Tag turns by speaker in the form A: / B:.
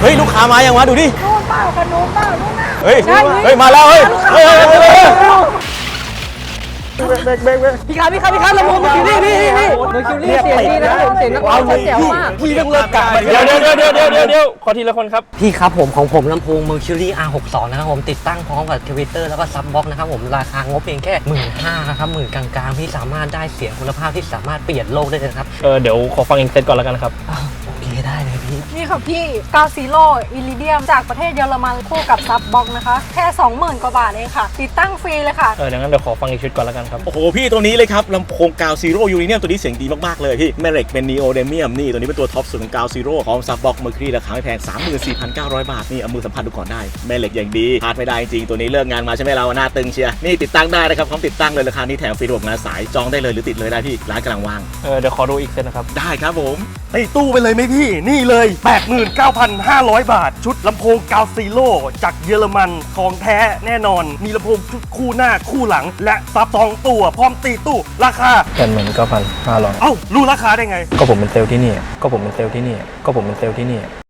A: ฮ้ยลูกค้ามายังวะดูดิ
B: นู่นเปล่าขนมเปล่านู่นน่ะ
A: เฮ้ยเฮ้ยมาแล้วเฮ้ยเฮ้ย
B: พี่ครับลำโพงคิวรี่นี่เมอร์คิวรี่เสียงดีนะครับผมเสียงนักร้องเสียงมาก
A: พี่ต้องเลิกกะ
C: เดี๋ยวขอทีละคนครับ
D: พี่ครับของผมลำโพง Mercury R62 นะครับผมติดตั้งพร้อมกับทวิตเตอร์แล้วก็ซับบ็อกนะครับผมราคางบเพียงแค่ 15,000 นะครับหมื่นกลางๆพี่สามารถได้เสียงคุณภาพที่สามารถเปลี่ยนโลกได้เลยนะครับ
C: เดี๋ยวขอฟังอีกเซตก่อนแล้วกันครับ
D: โอเคได้เลยพี่
B: นี่ค่ะพี่กาซิโร่อิริเดียมจากประเทศเยอรมันคู่กับซับบ็อกนะคะแค่ 20,000 กว่าบาทเองค่ะติดตั้งฟรีเลยค่ะ
C: ดังนั้นเดี๋ยวขอฟังอีกชุดก่อนแล้วกันครับ
A: โอ้โหพี่ตัวนี้เลยครับลำโพงกาวซีโร่ยูนิเนียมตัวนี้เสียงดีมากๆเลยพี่แม่เหล็กเป็นนีโอเดเมียมนี่ตัวนี้เป็นตัวท็อปสุดของกาวซีโร่พร้อมซับบ็อกเมอร์คิวรีราคาไม่แพง 34,900 บาทนี่เอามือสัมผัสดูก่อนได้แม่เหล็กอย่างดีพลาดไม่ได้จริงตัวนี้เลิกงานมาใช่ไหมเราหน้าตึงเชียร์นี่ติดตั้งได้นะครับพร้อมติดตั้งเลยราคานี้แถมฟรีระบบงานสายจองได้เลยหรือติดเลยได้พี่ร้านกำลังว่าง
C: เดี๋ยวขอดูอีกเซตนะครับ
A: ได้ครับผม
E: ตีตู้ไปเลยไหมพี่ นี่เลย 89,500 บาท ชุดลำโพงกาวซีโร่จากเยอรมันของแท้แน่นอน มีลำโพงชุดคู่หน้าคู่หลัง และซับ2ตัวพร้อมตีตู้ราคา
C: 89,500
E: เอ้า รู้ราคาได้ไง
C: ก็ผมเป็นเซลล์ที่นี่